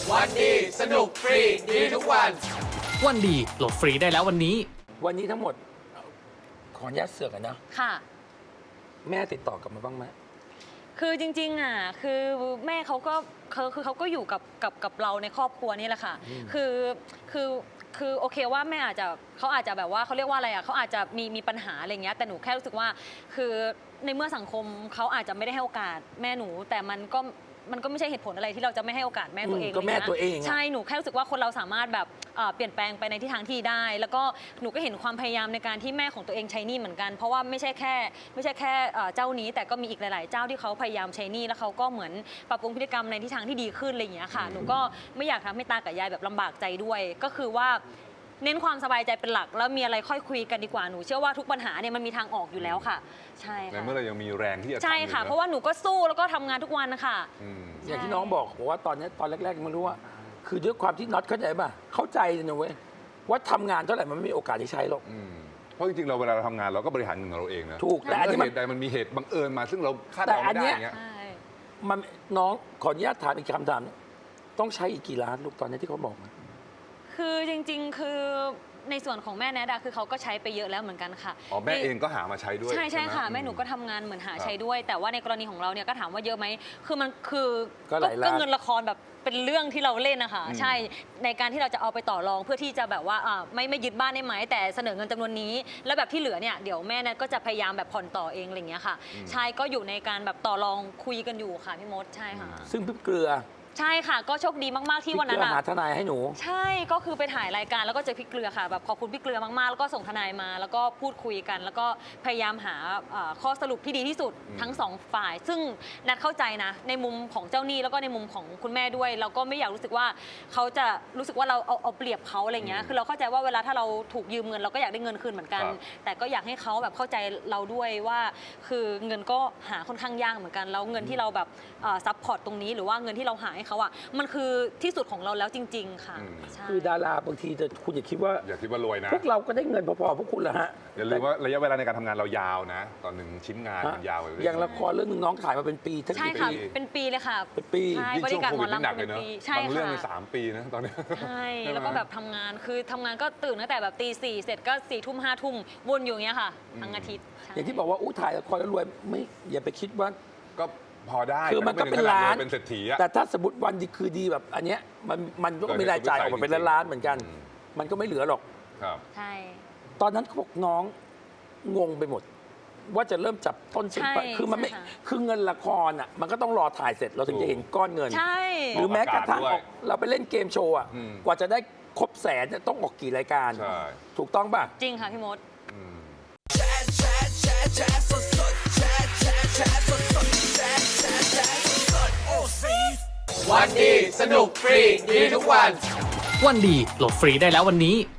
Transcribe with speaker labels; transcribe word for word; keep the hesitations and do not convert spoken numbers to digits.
Speaker 1: วันดีสนุกฟรีดีทุกวัน
Speaker 2: วันดีโหลดฟรีได้แล้ววันนี้
Speaker 3: วันนี้ทั้งหมดขออนุญาตเสือกกันนะ
Speaker 4: ค่ะ
Speaker 3: แม่ติดต่อกลับมาบ้างไหม
Speaker 4: คือจริงๆอ่ะคือแม่เขาก็คือคือเขาก็อยู่กับกับกับเราในครอบครัวนี่แหละค่ะคือคือคือโอเคว่าแม่อาจจะเขาอาจจะแบบว่าเขาเรียกว่าอะไรอ่ะเขาอาจจะมีมีปัญหาอะไรเงี้ยแต่หนูแค่รู้สึกว่าคือในเมื่อสังคมเขาอาจจะไม่ได้ให้โอกาสแม่หนู แต่มันก็มันก็ไม่ใช่เหตุผลอะไรที่เราจะไม่ให้โอกาสแม่ตัวเอง
Speaker 3: ก็แม่ตัวเอง
Speaker 4: ใช่หนูแค่รู้สึกว่าคนเราสามารถแบบเปลี่ยนแปลงไปในทิศทางที่ได้ แล้วก็หนูก็เห็นความพยายามในการที่แม่ของตัวเองใช้หนี้เหมือนกันเพราะว่าไม่ใช่แค่ไม่ใช่แค่เจ้านี้แต่ก็มีอีกหลายๆเจ้าที่เขาพยายามใช้หนี้แล้วเขาก็เหมือนปรับปรุงพฤติกรรมในทิศทางที่ดีขึ้นอะไรอย่างเงี้ยค่ะหนูก็ไม่อยากทำให้ตากับยายแบบลำบากใจด้วยก็คือว่าเน้นความสบายใจเป็นหลักแล้วมีอะไรค่อยคุยกันดีกว่าหนูเชื่อว่าทุกปัญหาเนี่ยมันมีทางออกอยู่แล้วค่ะใช่ค่ะ
Speaker 5: ในเมื่อเรายังมีแรงที่จะทำ
Speaker 4: ใช่ค่ะเพราะว่าหนูก็สู้แล้วก็ทำงานทุกวันนะคะ
Speaker 3: อย่างที่น้องบอกบอกว่าตอนนี้ตอนแรกๆไม่รู้ว่า คือด้วยความที่น็อตเข้าใจป่ะเข้าใจนะเว้ยว่าทำงานเท่าไหร่มันไม่มีโอกาสได้ใช้หรอก
Speaker 5: เพราะจริงๆเราเวลาเราทำงานเราก็บริหารเงินของเราเองนะ
Speaker 3: ถูกแต่อันนี้
Speaker 5: เมื่
Speaker 3: มั
Speaker 5: อน เหตุใดมันมีเหตุบังเอิญมาซึ่งเราคาดเดาไม่ได้อย่างเงี้ย
Speaker 3: มันน้องขออนุญาตถามอีกคำถามนึงต้องใช้อีกกี่ล้านลูกตอนนี้ที่เขาบอกมา
Speaker 4: คือจริงๆ คือในส่วนของแม่แนดาคือเขาก็ใช้ไปเยอะแล้วเหมือนกันค่ะ
Speaker 5: อ๋อแม่เองก็หามาใช้ด้วย
Speaker 4: ใช่ใช่ค่ะ
Speaker 5: ไห
Speaker 4: แม่หนูก็ทำงานเหมือนหาใช้ด้วย แต่ว่าในกรณีของเราเนี่ยก็ถามว่าเยอะไหมคือมันคือ
Speaker 3: ก็หลายล้าน
Speaker 4: ก็เงินละครแบบเป็นเรื่องที่เราเล่นนะคะใช่ในการที่เราจะเอาไปต่อรองเพื่อที่จะแบบว่าไม่ไม่ยึดบ้านได้ไหมแต่เสนอเงินจำนวนนี้ แล้วแบบที่เหลือเนี่ยเดี๋ยวแม่แนทก็จะพยายามแบบผ่อนต่อเองอะไรอย่างเงี้ยค่ะใช่ก็อยู่ในการแบบต่อรองคุยกันอยู่ค่ะพี่มดใช่ค่ะ
Speaker 3: ซึ่งพี่เกลือ
Speaker 4: ใช่ค่ะก็โชคดีมากๆที่วันนั้น
Speaker 3: พี่เกลือหาทนายให้หนู
Speaker 4: ใช่ก็คือไปถ่ายรายการแล้วก็เจอพี่เกลือค่ะแบบขอบคุณพี่เกลือมากๆแล้วก็ส่งทนายมาแล้วก็พูดคุยกัน แล้วก็พยายามหาข้อสรุปที่ดีที่สุดทั้งสองฝ่าย ซึ่งนัดเข้าใจนะในมุมของเจ้าหนี้แล้วก็ในมุมของคุณแม่ด้วยเราก็ไม่อยากรู้สึกว่าเขาจะรู้สึกว่าเราเอาเอาเปรียบเขาอะไรเงี้ยคือเราเข้าใจว่าเวลาถ้าเราถูกยืมเงินเราก็อยากได้เงินคืนเหมือนกัน แต่ก็อยากให้เขาแบบเข้าใจเราด้วยว่าคือเงินก็หาค่อนข้างยากเหมือนกันแล้วเงินที่เราแบบซัพพอร์ตตรงนี้หรือว่าเงินที่เราหาให้เขาอ่ะมันคือที่สุดของเราแล้วจริงๆค่ะใช่
Speaker 3: คือดาราบางทีแต่คุณอย่าคิดว่า
Speaker 5: อย่าคิดว่ารวยนะ
Speaker 3: พวกเราก็ได้เงินพอๆพวกคุณละฮะ
Speaker 5: อย่าลืมว่าระยะเวลาในการทำงานเรายาวนะ ตอนหนึ่งชิ้นงานมันยาวเลย
Speaker 3: อย่างละครเรื่องหนึงน้องถ่ายมาเป็นปีทั้ง
Speaker 4: ใช่
Speaker 3: กี่
Speaker 4: ค่ะ
Speaker 3: ปี
Speaker 4: เป็นปีเลยค่ะ
Speaker 3: เป็นปี
Speaker 4: ใช่
Speaker 5: ยิ่ง
Speaker 4: บ
Speaker 5: ช่
Speaker 4: ริ
Speaker 5: วง
Speaker 4: การ
Speaker 5: โค
Speaker 4: หม
Speaker 5: วิ
Speaker 4: อ
Speaker 5: ดนี่
Speaker 4: ลำ
Speaker 5: หนัก
Speaker 4: เป็
Speaker 5: เลย
Speaker 4: น
Speaker 5: เนาะ
Speaker 4: ปีใช่
Speaker 5: บางเรื่อง
Speaker 4: ค่ะ
Speaker 5: ในสามปีนะตอนนี้
Speaker 4: ใช่แล้วก็แบบทำงานคือทำงานก็ตื่นตั้งแต่แบบตีสี่เสร็จก็สี่ทุ่มห้าทุ่มวนอยู่อย่างเงี้ยค่ะทั้งอาทิตย์ใช่
Speaker 3: อย่างที่บอกว่าอู้ถ่ายละครแล้วรวยไม่อย่าไปคิดว่า
Speaker 5: ก็พอได้
Speaker 3: คือมันก็เป็นล้าน
Speaker 5: เป็นเศรษฐีอะ
Speaker 3: แต่ถ้าสมมติวันดีคือดีแบบอันเนี้ยมันมันก็มีรายจ่ายออกมาเป็นล้านๆเหมือนกัน มันก็ไม่เหลือหรอก
Speaker 5: ครับ
Speaker 4: ใช่
Speaker 3: ตอนนั้นเขาบอกน้องงงไปหมด ว่าจะเริ่มจับต้นชนปลาย
Speaker 4: ใช่
Speaker 3: คือมันไม่
Speaker 4: ใช่ค่ะ
Speaker 3: คือเงินละครอ่ะมันก็ต้องรอถ่ายเสร็จเราถึงจะเห็นก้อนเงิน
Speaker 4: ใช่
Speaker 3: หรือแม้กระทั่ง
Speaker 5: ออกอากาศด้วย
Speaker 3: ออกเราไปเล่นเกมโชว์อ่ะ
Speaker 5: อืม
Speaker 3: กว่าจะได้ครบแสนเนี่ยต้องออกกี่รายการ
Speaker 5: ใช่
Speaker 3: ถูกต้องป่ะ
Speaker 4: จริงค่ะพี่มด
Speaker 5: อืม
Speaker 1: วันดีสนุกฟรีดีทุกวัน
Speaker 2: วันดีโหลดฟรีได้แล้ววันนี้